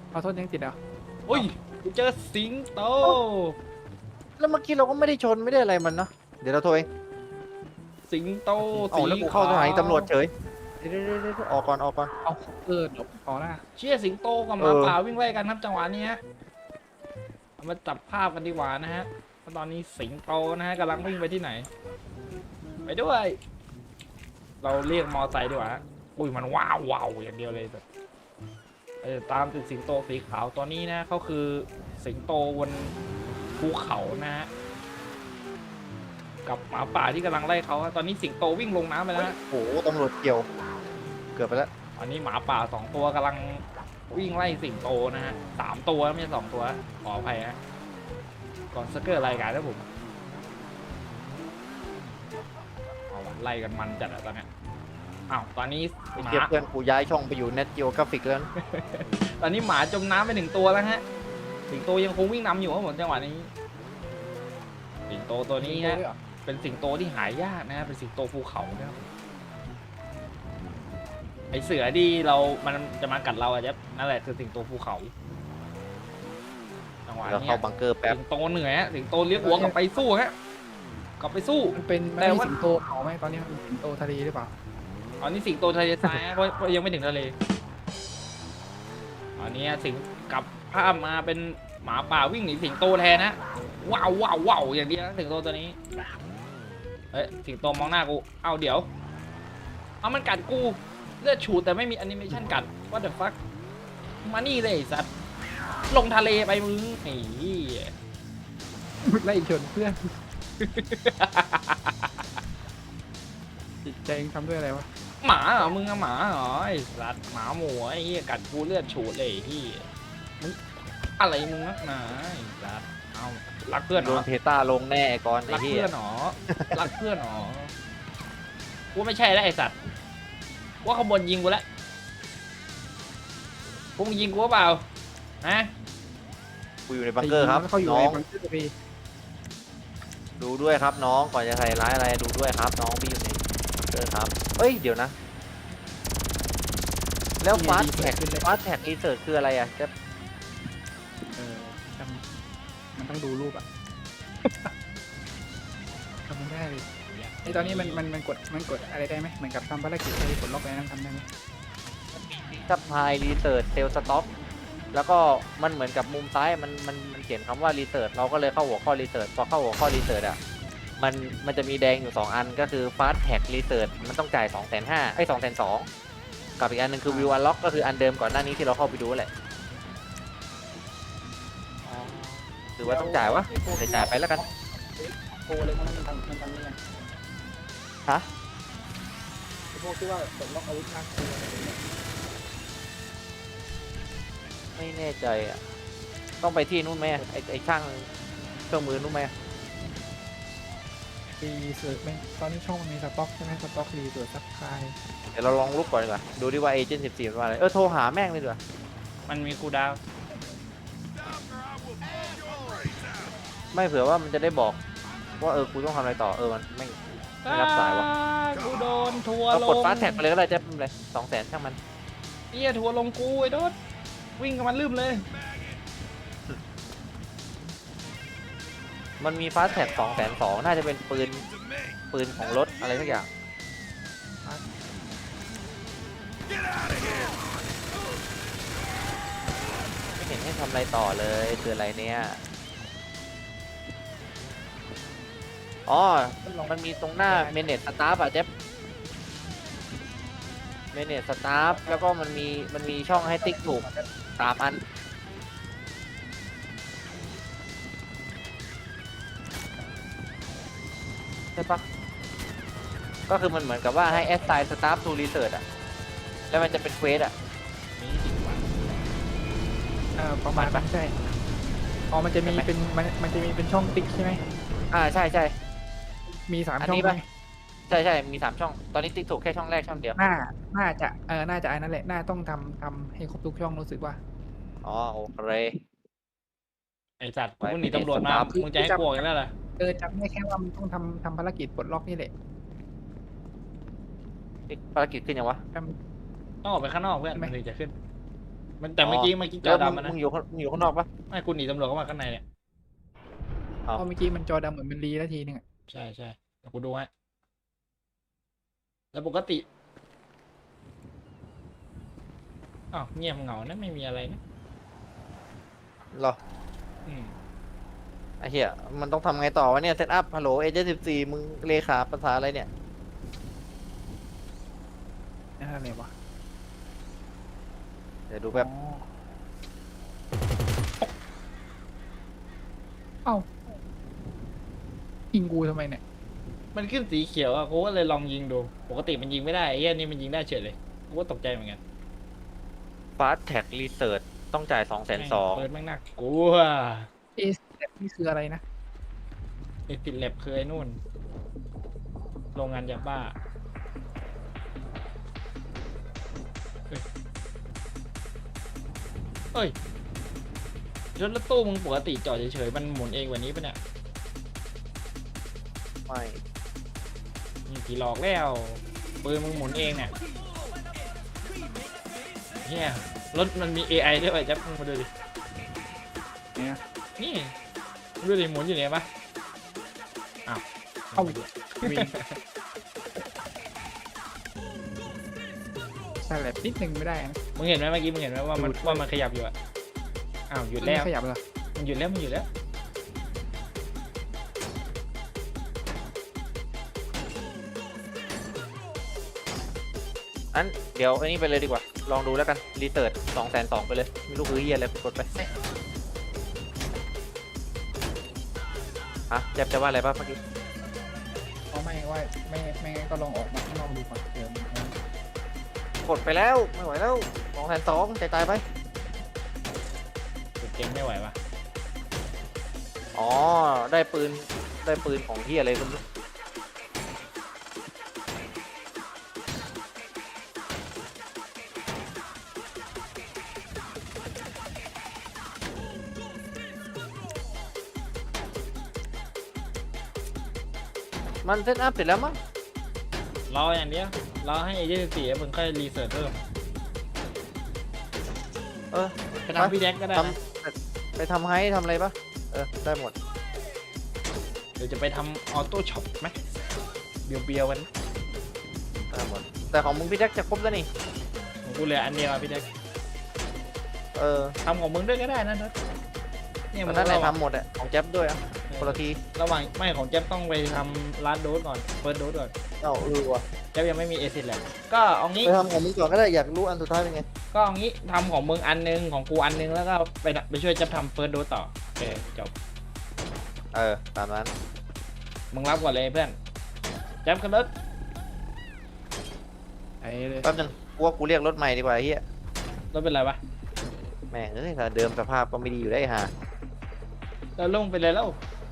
เอาโทษยังติดเหรออุ้ยกูเจอสิงโตแล้วเมื่อกี้เราก็ไม่ได้ชนไม่ได้อะไรมันเนาะเดี๋ยวเราโทรเองสิงโตเอาสีแล้วกูขาเข้าสถานีวตำรวจเฉยเดี๋ยวออกก่อนออกก่อนเอาหลบขอหน้าเชี่ยสิงโตกับหมาป่าวิ่งไล่กันครับจังหวะนี้ฮะเอามาจับภาพกันดีกว่านะฮะตอนนี้สิงโตนะฮะกำลังวิ่งไปที่ไหน ไปด้วย เราเรียกมอไซค์ดีกว่าฮะอุ้ยมันว้าวว้าวอย่างเดียวเลยแบบตามติดสิงโตสีขาวตัวนี้นะเขาคือสิงโตบนภูเขานะฮะกับหมาป่าที่กำลังไล่เขาฮะตอนนี้สิงโตวิ่งลงน้ำไปแล้วฮะโอ้โหตำรวจเกี่ยวเกือบไปแล้วตอนนี้หมาป่า2 ตัวกำลังวิ่งไล่สิงโตนะฮะ3 ตัวไม่ใช่2 ตัวขออภัยฮะก่อนสเกอร์รายการนะผมเอาว่ะไล่กันมันจัดอะตอนเนี้ยอ้าวตอนนี้ไอ้หมาเจี๊ยบเพื่อนกูย้ายช่องไปอยู่ Net Geographic แล้วนะตอนนี้หมาจมน้ำไป1 ตัวแล้วฮะสิงโตยังคงวิ่งนำอยู่ครับผมจังหวะนี้ สิงโตตัวนี้ฮะเป็นสิงโตที่หายากนะฮะเป็นสิงโตภูเขานะครับไอเสือที่มันจะมากัดเราอะจ๊ะนั่นแหละคือสิงโตภูเขาจังหวะเรานี้เข้าบังเกอร์แป๊บสิงโตเหนื่อยฮะสิงโตเลี้ยงหัวกลับไปสู้ฮะกลับไปสู้มันเป็นแต่ไม่ว่าสิงโตเขาไหมตอนนี้มันเป็นสิงโตทะเลหรือเปล่าตอนนี้สิงโตทะเลทรายฮะเพราะยังไม่ถึงทะเลตอนนี้สิงกลับภาพมาเป็นหมาป่าวิ่งหนีสิงโตแทนนะว้าวว้าวว้าวอย่างเดียวนะสิงโตตัวนี้เอ้ยสิงโตมองหน้ากูเอาเดี๋ยวเอามันกัดกูเลือดฉูดแต่ไม่มีแอนิเมชันกัด what the fuck มานี่เลยไอ้สัตว์ลงทะเลไปมึงไอ้เหี้ยไล่ชนเพื่อนจิตใจเองทำด้วยอะไรวะหมาเหรอมึงอะหมาเหรอไอ้สัตว์หมาหมูไอ้เหี้ยกัดกูเลือดฉูดเลยไอ้เหี้ยมึงอะไรมึงนักหนาไอ้สัตว์เอารักเพื่อนเหโดรนอเทต้าลงแน่ก่อนไอ้รักเหี้ยเพื่อนเหรอรักเพื่อนเหรอกูไม่ใช่แล้วไอ้สัตว์ว่าขบวนยิงกูแล้วพวกมึงยิงกูเปล่าฮะกูอยู่ในบังเกอร์ครับเขาอยู่น้ในองบังเกอร์พี่ดูด้วยครับน้องก่อนจะใส่ร้ายอะไรดูด้วยครับน้องพี่อยู่ในบังเกอร์ครับเอ้ยเดี๋ยวนะ แล้วฟาสแท็กรีเสิร์ชคืออะไรอ่ะจะจำมันต้องดูรูปอ่ะ ทำไม่ได้เลยไอตอนนี้มันกดอะไรได้ไหมเหมือนกับทำภารกิจอะไรกดล็อกอะไรนั่นทำได้ไหมซัพพลายรีเสิร์ชเซลสต็อกแล้วก็มันเหมือนกับมุมซ้ายมันเขียนคำว่ารีเสิร์ชเราก็เลยเข้าหัวข้อรีเสิร์ชพอเข้าหัวข้อรีเสิร์ชอ่ะมันจะมีแดงอยู่2อันก็คือฟาสแท็กรีเสิร์ชมันต้องจ่าย 250,000ไอ้220,000กับอีกอันหนึงคือวิวอันล็อกก็คืออันเดิมก่อนหน้านี้ที่เราเข้าไปดูแหละหรือว่าต้องจ่ายวะจ่ายไปแล้วกันโกเลยมันทำยังไงฮะพวกที่ว่ากดล็อกอาวุธมากตัวอะไรอย่างเงี้ยไม่แน่ใจอ่ะต้องไปที่นู่นไหมอะไอ้ช่างเครื่องมือนู่นไหมอะรีเสิร์ชไหมตอนนี้ช่องมันมีสต็อกใช่ไหมสต็อกรีเสิร์ชซับคายเดี๋ยวเราลองลุกก่อนดีกว่าดูดิว่าเอเจนต์14มันว่าอะไรโทรหาแม่งเลยดีกว่ามันมีคูลดาวน์ไม่เผื่อว่ามันจะได้บอกว่ากูต้องทำอะไรต่อมันไม่รับสายวะกูโดนทัวร์เราลกดงฟาสแท็กไปเลยก็ได้จะเป็นไร200,000ช่างมันเหี้ยทัวร์ลงกูไอ้โดดวิ่งกับมันลืมเลยมันมีฟาสแท็ก220,000น่าจะเป็นปืนของรถอะไรสักอย่างไม่เห็นให้ทำอะไรต่อเลยคืออะไรเนี่ยอ๋อมันมีตรงหน้าเมเนจสตาฟอะเจ๊บเมเนจสตาฟแล้วก็มันมีช่องให้ติ๊กถูก3 อันใช่ปะก็คือมันเหมือนกับว่าให้ assign staff to research อะแล้วมันจะเป็นเควสอะนี่จริงว่ะประมาณนั้นใช่อ๋อมันจะมีเป็นมันจะมีเป็นช่องติ๊กใช่ไหมใช่ใช่มี3 อันช่องนี้ไหมปะ ใช่มี3 ช่อง ตอนนี้ติ๊กถูกแค่ช่องแรกช่องเดียวน่าจะน่าจะอันนั้นแหละน่าต้องทำให้ครบทุกช่องรู้สึกว่าอ๋อโอเคไอสัตว์มึงหนีตำรวจมามึงจะให้กลัวกันแล้วเหรอจำได้แค่ว่ามันต้องทำภารกิจปลดล็อกนี่แหละภารกิจขึ้นยังวะจำต้องออกไปข้างนอกเพื่อนมันถึงจะขึ้นมันแต่เมื่อกี้จแล้อวดำมันมึนะงอยู่ข้างนอกปะไม่คุณหนีตำรวจเข้ามาข้างในเนี่ยเอาเพราะเมื่อกี้มันจอดำเหมือนมันรีแล้วทีนึงอะใช่ใช่เดี๋ยวกูดูให้แล้วปกติอ้าวเงียบเหงานะไม่มีอะไรนะเหรออืมไอ้เหี้ยมันต้องทำไงต่อวะเนี่ยเซตอัพฮัลโหลเอเจนต์14มึงเลขาภาษาอะไรเนี่ยนั่นอะไรวะเดี๋ยวดูแป๊บอ๋อเอ้ายิงกูทำไมเนี่ยมันขึ้นสีเขียวอะกูก็เลยลองยิงดูปกติมันยิงไม่ได้ไอ้เหี้ยนี่มันยิงได้เฉยเลยกูก็ตกใจเหมือนกันฟาสแท็กรีเสิร์ชต้องจ่าย220,000 เปิดแม่งน่ากลัวเอสนี่คืออะไรนะไอ้ติดแลบคือไอ้นู่นโรงงานยาบ้าเอ้ยรถตู้มึงปกติจอดเฉยๆมันหมุนเองกว่านี้ปะเนี่ยไม่มีผีหลอกแล้วปืนมึงหมุนเองเนี่ยเฮียรถมันมี AI ด้วยป่ะจ๊บมึงมาดูดิเนี่ยนี่ดูดิหมุนอยู่เนี่ยปะอ้าวเข้าวิ่งใช่แหละนิดนึงไม่ได้นะมึงเห็นไหมเมื่อกี้มึงเห็นไหมว่ามันขยับอยู่อะอ้าวหยุดแล้วไม่ขยับเลยมันหยุดแล้วมันหยุดแล้วอันเดี๋ยวอันนี้ไปเลยดีกว่าลองดูแล้วกันรีเสิร์ช220,000ไปเลยไม่รู้คือเหี้ยอะไรกดไปฮะแจ๊บจะว่าอะไรป่ะเมื่อกี้เพราะไม่ว่าไม่งั้นก็ลองออกมาข้างนอกดูก่อนเดี๋ยวมันกดไปแล้วไม่ไหวแล้ว220,000จ่ายไปหยุดเกมไม่ไหวปะอ๋อได้ปืนของที่อะไรก็ไม่รู้มันเซตอัพเสร็จแล้วมั้งรออย่างเดียวรอให้เอเจนซี่มึงค่อยรีเสิร์ชเพิ่มเออไปทำพี่แดกก็ได้ทนะำไปทำให้ทำอะไรปะได้หมดเดี๋ยวจะไปทำออโต้ช็อปไหมเบียวๆกันได้หมดแต่ของมึงพี่แจ็คจะครบแล้วนี่ของกูเหลืออันเดียวอะพี่แดกเออทำของมึงด้วยก็ได้นะนัทเนี่ยมัมึนงนั่นแหละระหว่างทำหมดอ่ะของแจ๊บด้วยอ่ะคนละทีระหว่างไม่ของแจ๊บต้องไปทำลาสโดสก่อนเฟิร์สโดสก่อนเอาว่ะแจ๊บยังไม่มีเอซิดแหละก็เอางี้ไปทำของมึงก่อนก็ได้อยากรู้อันสุดท้ายเป็นไงก็เอางี้ทำของมึงอันนึงของกูอันนึงแล้วก็ไปช่วยแจ๊บทำเฟิร์สโดสต่อโอเคจบตามนั้นมึงรับก่อนเลยเพื่อนแจ๊บกันรถไอ้เลยแป๊บนึงกูว่ากูเรียกรถใหม่ดีกว่าไอ้เฮียรถเป็นไรวะแม่งเอ้ยถ้าเดิมสภาพก็ไม่ดีอยู่ได้ห่าเราลงไปเลยแล้ว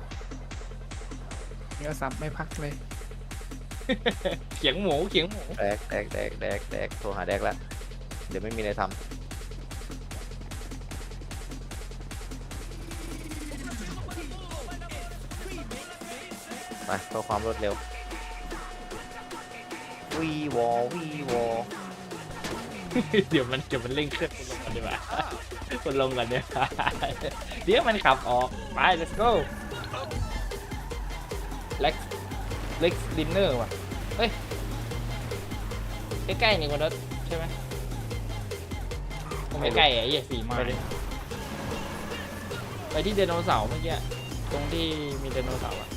เนื้อสับไม่พักเลยเขียงหมูเขียงหมูแดกโทรหาแดกละเดี๋ยวไม่มีอะไรทำไปเพื่อความรวดเร็ววีวอเดี๋ยวมันเร่งเครื่องคุณลงกันดีกว่าคุณลงกันเนี่ยเดี๋ยวมันขับออกไป let's go Lex Dinner ว่ะเฮ้ยใกล้ๆนี่คนรถใช่ไหมผมไม่ใกล้ไอ้เหี้ย4 ไมล์ไปที่ไดโนเสาร์เมื่อกี้ตรงที่มีไดโนเสาร์อะ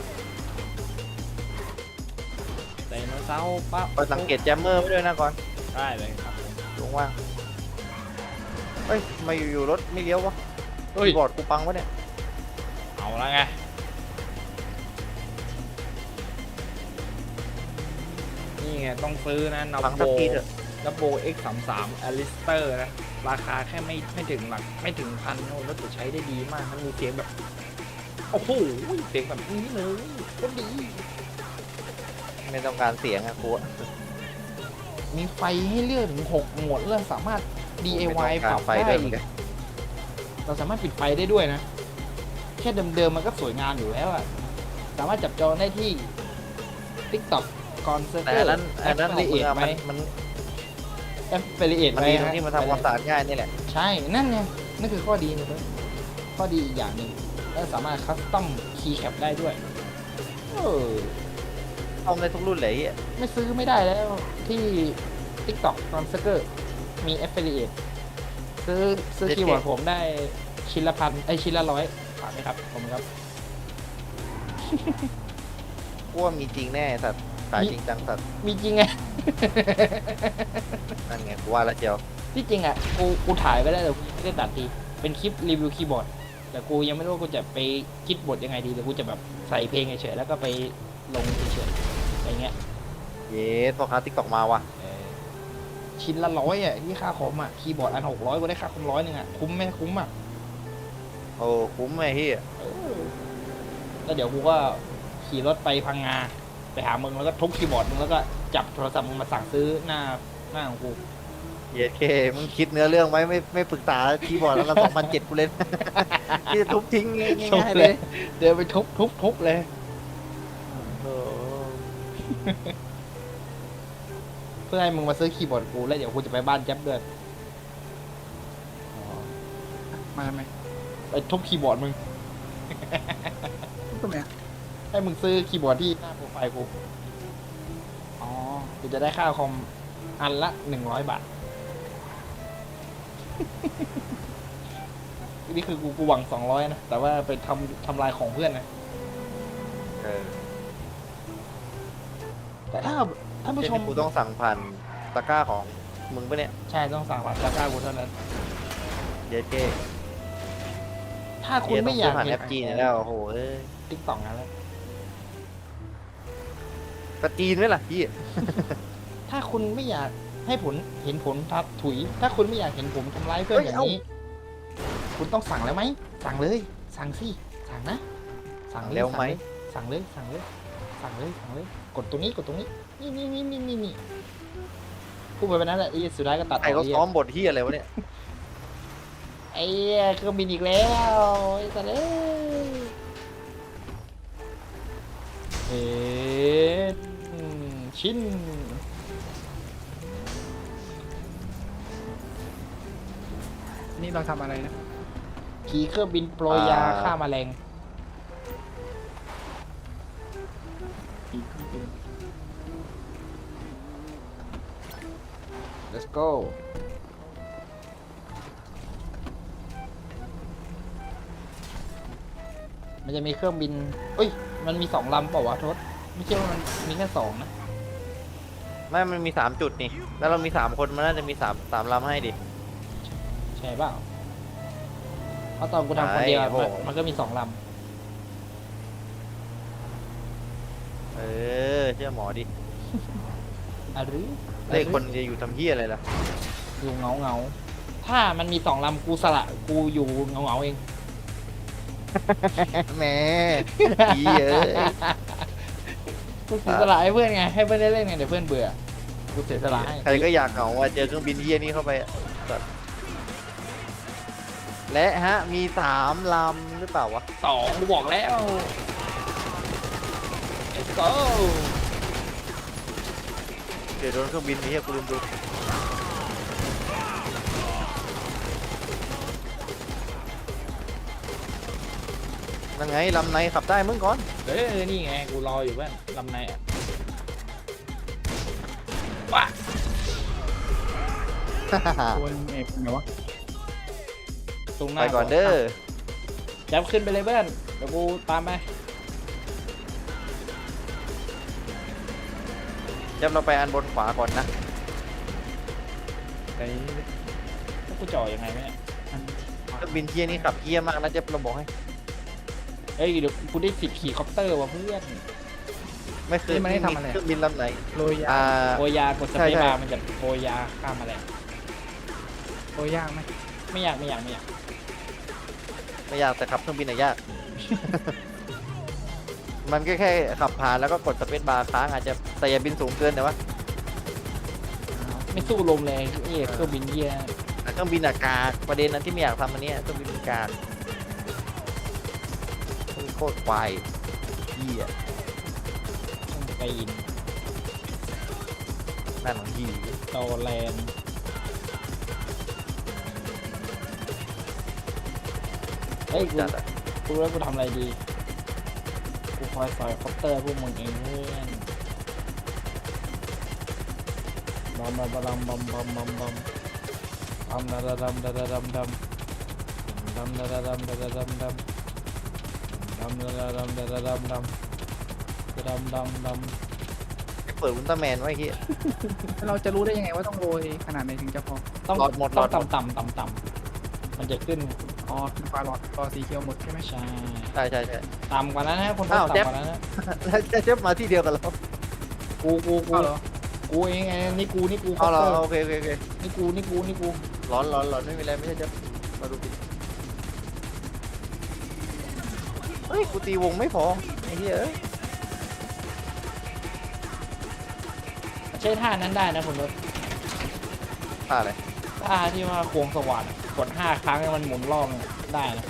ไดโนเสาร์ปั๊บไปสังเกตแจมเมอร์ไว้ด้วยนะก่อนได้เลยครับตรงว่างเฮ้ยทำไมาอยู่ๆรถไม่เลี้ยววะเฮ้ยบอร์ดกูปังวะเนี่ยเอาละไงนี่ไงต้องซื้อนะนัปับงโบสักทีเถอะนับโบ X33 Alistair นะราคาแค่ไม่ถึงหลักไม่ถึงพันโน้แล้วจะใช้ได้ดีมากมันมีเสียงแบบโอ้โหเสียงแบบนี้เลยโคตรดีไม่ต้องการเสียงอะกูอะมีไฟให้เลือกถึง6 โหมดแล้วสามารถไม่ DIY ต้องปการรับไฟได้ด้วยเหมือีอนกกันเราสามารถปิดไฟได้ด้วยนะ แค่เดิมๆมันก็สวยงามอยู่แล้วอะสามารถจับจองได้ที่ TikTok ก่อนเซอร์แต่เวออันร์นั้นของละมึเอีงยดอะไหมมันไอ affiliate มันไว้ดีตรงฮะที่มันทำความสะอาดง่ายนี่แหละใช่นั่นไงนั่นคือข้อดีเลยเว้ยข้อดีอีกอย่างหนึ่งแล้วสามารถคัสตอมคีย์แคปได้ด้วยเออเอาในทุกรุ่นเลยไอ้เหี้ยไม่ซื้อไม่ได้แล้วที่ TikTok ตอนสเกอร์มี affiliate ซื้อคีย์บอร์ดผมได้ชิ้นละพันชิ้นละร้อยฝากไหมครับผมครับกูว่ามีจริงแน่สัตว์ขายจริงจังสัตว์มีจริงไงนั่นไงกูว่าแล้วเจียวที่จริงอ่ะกูถ่ายไว้แล้วแต่กูไม่ได้ตัดทีเป็นคลิปรีวิวคีย์บอร์ดแต่กูยังไม่รู้ว่ากูจะไปคิดบทยังไงดีหรือกูจะแบบใส่เพลงเฉยๆแล้วก็ไปลงเฉยๆอะไรเงี้ยเย้พ่อค้าติ๊กตอกมาว่ะชิ้นละร้อยอ่ะที่ค่าคอมอ่ะคีย์บอร์ดอัน600กูได้ค่าคอม100อ่ะคุ้มไหมคุ้มอ่ะโอ้คุ้มไอ้เหี้ยแล้วเดี๋ยวกูก็ขี่รถไปพังงาไปหามึงแล้วก็ทุบคีย์บอร์ดมึงแล้วก็จับโทรศัพท์มึงมาสั่งซื้อหน้าของกูเย้เคมึงคิดเนื้อเรื่องไว้ไม่ปรึกษาคีย์บอร์ดแล้วละ2007กูเล่น ที่จะทุบทิ้งง่ายๆเลยเดินไปทุบเลยโอ้เพื่อให้มึงมาซื้อคีย์บอร์ดกูแล้วเดี๋ยวกูจะไปบ้านแจ๊บด้วยมาทำไมไปทุบคีย์บอร์ดมึงทำไมอะให้มึงซื้อคีย์บอร์ดที่หน้าโปรไฟล์กูอ๋อกูจะได้ค่าคอมอันละ100 บาท นี่คือกูหวัง200นะแต่ว่าไปทำลายของเพื่อนนะเออแต่ถ้าท่านผู้ชมกูต้องสั่งผ่านตะกร้าของมึงปะเนี่ยใช่ต้องสั่งผ่านตะกร้ากูเท่านั้นเย้เคถ้าคุณไม่อยากผ่านเห็แอน ปจีนแล้วโอ้โหเอ้ยติ๊กต็อกนะแล้วกระจีนไหมล่ะพี่ถ้าคุณไม่อยากให้เห็นผลทับถุย ถ้าคุณไม่อยากเห็นผมทำร้ายเพื่อนอย่างนี้ คุณต้องสั่งแล้วไหมสั่งเลย สั่งสิสั่งนะสั่งเลยเร็วไหมสั่งเลยสั่งเลยสั่งเลยสั่งเลยกดตรงนี้กดตรงนี้นี่พูดไปแบบนั้นแหละไอ้สุดท้ายก็ตัดใครเขาไอ้ซ้อมบทที่อะไรวะเนี่ยไอ้เครื่องบินอีกแล้วไอ้สัตว์ชิ้นนี่เราทำอะไรนะขี่เครื่องบินโปรยยาฆ่าแมลง let's go มันจะมีเครื่องบินเอ้ย มันมี2 ลำเปล่าวะทศไม่ใช่ว่ามันมีแค่2นะไม่มันมี3จุดนี่ แล้วเรามี3คนมันน่าจะมี3ลำให้ดิใช่เปล่าเพราะตอนกูทำคนเดียวใช่โอ้โหมันก็มี2 ลเออเชื่อหมอดิำอะหรือเลขคนจะอยู่ทำเหี้ยอะไรล่ะอยู่เงาถ้ามันมี2 ลำกูสละกูอยู่เงาเองแหม่ดีเอ้ยกูเสียสละให้เพื่อนไงให้เพื่อนได้เล่นไงเดี๋ยวเพื่อนเบื่อกูเสียสละให้ใครก็อยากเหงาว่าเจอเครื่องบินเหี้ยนี่เข้าไปอะสัตว์และฮะมี3ลำหรือเปล่าวะ 2กูบอกแล้ว let's go เดี๋ยวโดนเครื่องบินนี้กูลืมดูนั่นไงลำไหนขับได้มึงก่อนนี่ไงกูรออยู่เพื่อนลำในอ่ะว้าตัวเอกไหนวะตรงหไปน้าก่อนเด้อจับขึ้นไปเลยเพื่อนเดี๋ยวกูตามไปจับเราไปอันบนขวาก่อนนะไอ้แล้วกูจ่อยังไงเนี่ยอันเครื่องบินเที่ยนี่ขับเยี่ยมากนะเจ๊เราบอกให้เอ้ยเดี๋ยวกูได้สิทธิ์ขี่คอปเตอร์ว่ะเพื่อนไม่เคยมีเครื่องบินลำไหนโรยยาโปรยากดสใช่เปซใช่บาร์มันจะโปรยาฆ่าแมลงโรยยากไหมไม่อยากไม่อยากแต่ขับเครื่องบินอะยาก มันก็แค่ขับผ่านแล้วก็กดสเปซบาร์ค้างอาจจะแต่อย่าบินสูงเกินแต่ว่าไม่สู้ลมเลยเอ้ยเครื่องบินเยี่ยแต่เครื่องบินอากาศประเด็นนั้นที่ไม่อยากทำอันเนี้ยเครื่องบินอากาศโคตรควายเหี้ยปีนนั่นของหีโตแลนด์เฮ้ยจัดอะกูรู้แล้วกูทำอะไรดีกูคอยสอยคอปเตอร์พวกมึงเองเพื่อนบอมบอมบอมบอมบอมบอมบอมบอมดาดำดาดำดำดำดำดาดำดาดำดำดำดาดำดาดำดำดำดำดำดำเปิดอุลตร้าแมนไว้ที่เราจะรู้ได้ยังไงว่าต้องโรยขนาดไหนถึงจะพอต้องหลอดหมดต้องหลอดหมดต่ำมันจะขึ้นอ๋อคือปลาหลอดรอสีเขียวหมดใช่ไหมใช่ใช่ใช่ใช่ต่ำกว่านั้นนะคนพบอ้าวต่ำแจ๊บกว่านั้นนะแล้วเจ๊บมาที่เดียวกันแล้วกูเอาเหรอกูเองไงนี่กูเอาเหรอคปตร์โอเคโอเคโอเคนี่กูร้อนร้อนร้อนไม่มีอะไรไม่ใช่เจ๊บมาดูดิเฮ้ยกูตีวงไม่พอไอ้เหี้ยเอ้ยใช้ท่านั้นได้นะผมว่าท่าอะไรท่าที่ว่าควงสว่านกด5 ครั้งให้มันหมุนรอบเนี่ยได้นะ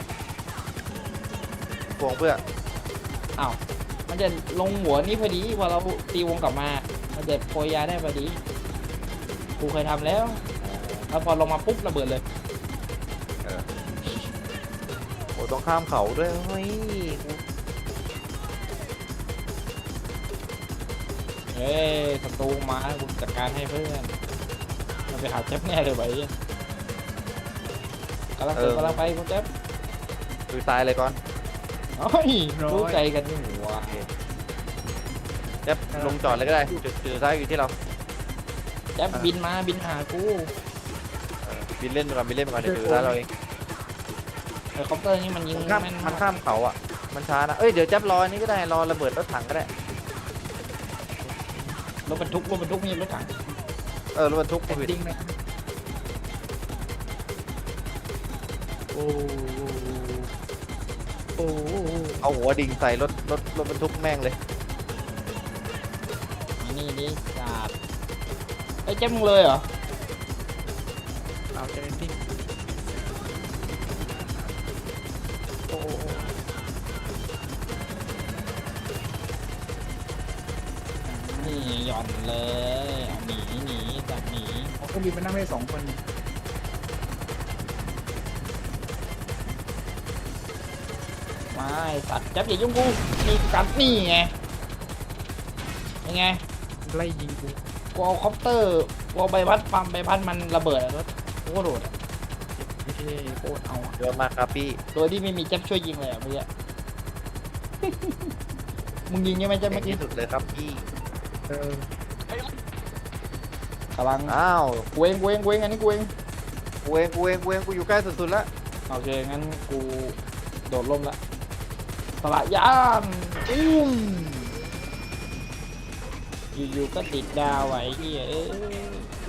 วงเพื่ออ้าวมันจะลงหัวนี่พอดีพอเราตีวงกลับมา มันจะโปรยยาได้พอดีกูเคยทำแล้วแล้วพอลงมาปุ๊บระเบิดเลยโอ้ต้องข้ามเขาด้วยเฮ้ยกูเฮ้ยศัตรูมากูจัดการให้เพื่อนมันไปหาเจ็บแน่เลยไปกำลังไปกูเจ็บดูตายเลยก่อนเฮ้ยรู้ใจกันนี่หัวเจ๊บลงจอดเลยก็ได้จุดซ้ายอยู่ที่เราเจ็บบินหากูบินเล่นไปก่อนบินเล่นไปก่อนเดี๋ยวดูซ้ายเราเองเฮลิคอปเตอร์นี่มันยิงมันข้ามแม่นมันข้ามเขาอ่ะมันช้านะเอ้ยเดี๋ยวเจ๊บรออันนี้ก็ได้รอระเบิดรถถังก็ได้รถบรรทุกมีรถถังรถบรรทุกแต่ผิดจริงไหมโอ้โอ้เอาหัวดิ่งใส่รถบรรทุกแม่งเลยนี่จัดไอ้เจ็บมึงเลยเหรอเราจะเป็นที่โอ้นี่หย่อนเลยเอาหนีจับหนีเขาก็บินมานั่งได้2 คนนี่ไม่สัตว์จับอย่ายุ่งกูนี่กัดนี่ไงยังไงไล่ยิงกูกูเอาคอปเตอร์กูเอาใบพัดปั๊มใบพัดมันระเบิดอะรถกูก็โดดอะเท่โคตรเอาอ่ะเดี๋ยวมาครับพี่โดยที่ไม่มีเจ็บช่วยยิงเลยอะเมื่อกี้ มึงยิงใช่ไหมเจ็บเก่เมื่งอกี้ที่สุดเลยครับพี่เออกำลังอ้าวกูเองอันนี้กูเองกูเองกูอยู่ใกล้สุดๆแล้วโอเคงั้นกูโดดร่มละสละยานอยู่ๆก็ติดดาวไว้เหี้ยเอ้ย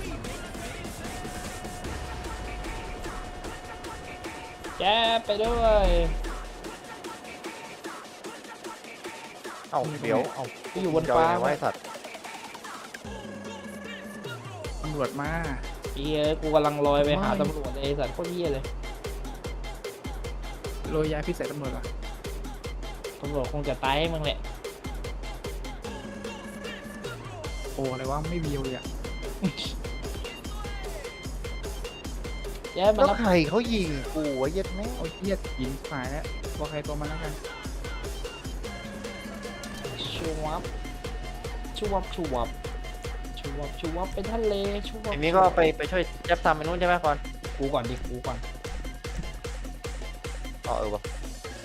แจ๊บไปด้วยเอ้าเดี๋ยวเอ้ากูอยู่บนจอฟ้าไงวะไอ้สัตว์ตำรวจมาเหี้ยกูกำลังลอยไปหาตำรวจเลยไอ้สัตว์โคตรเหี้ยเลยโรยยาพิษใส่ตำรวจเหรอตำรวจคงจะตายให้มึงแหละโอ้อะไรวะไม่เบียวเลยอ่ะแจ๊บมาแล้วรับใครเขายิงกูวะเย็ดแม่โอ้ยเทียดหินหายแล้วบอกใครตัวมันแล้วกันชูวับเป็นทะเลชูวับทีนี้ก็ไปช่วยแจ๊บทำไปนู้นใช่ไหมก่อนกูก่อนดิกูก่อนอ๋อวะ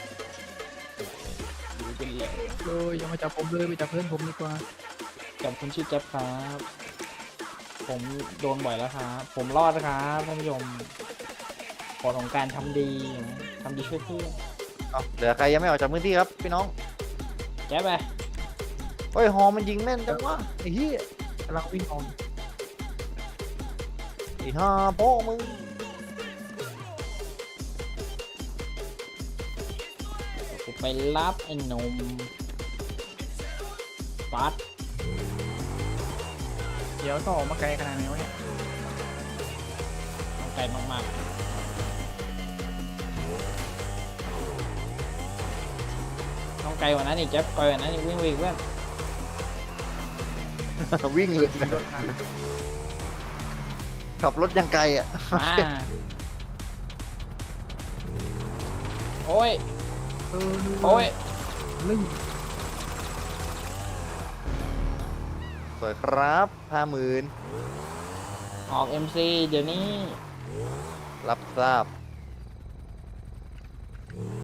ดูเป็นเหลวเอออย่ามาจับผมเลยไปจับเพื่อนผมดีกว่ากับคนชื่อแจ๊บครับ ผมโดนบ่อยแล้วครับ ผมรอดนะครับท่านผู้ชมผลของการทำดีช่วยเพื่อนเอาเหลือใครยังไม่ออกจากพื้นที่ครับพี่น้องแจ๊บไปเฮ้ยฮอมันยิงแม่นจังวะไอ้เหี้ยกำลังวิ่งออกไอ้ห่าพ่อมึงกูไปรับไอ้หนมปัดเดี๋ยวต้องออกมาไกลขนาดไหนวะเนี่ยเอาไกลมากๆต้องไกลกว่านั้นอีกแจ๊บไกลกว่านั้นอีกวิ่งเพื่อนวิ่งเลยนะรถมาขับรถยังไกลอ่ะมาโอ้ยเออโอ้ยนึ่งสวยครับ50,000 ออก MC เดี๋ยวนี้รับทราบ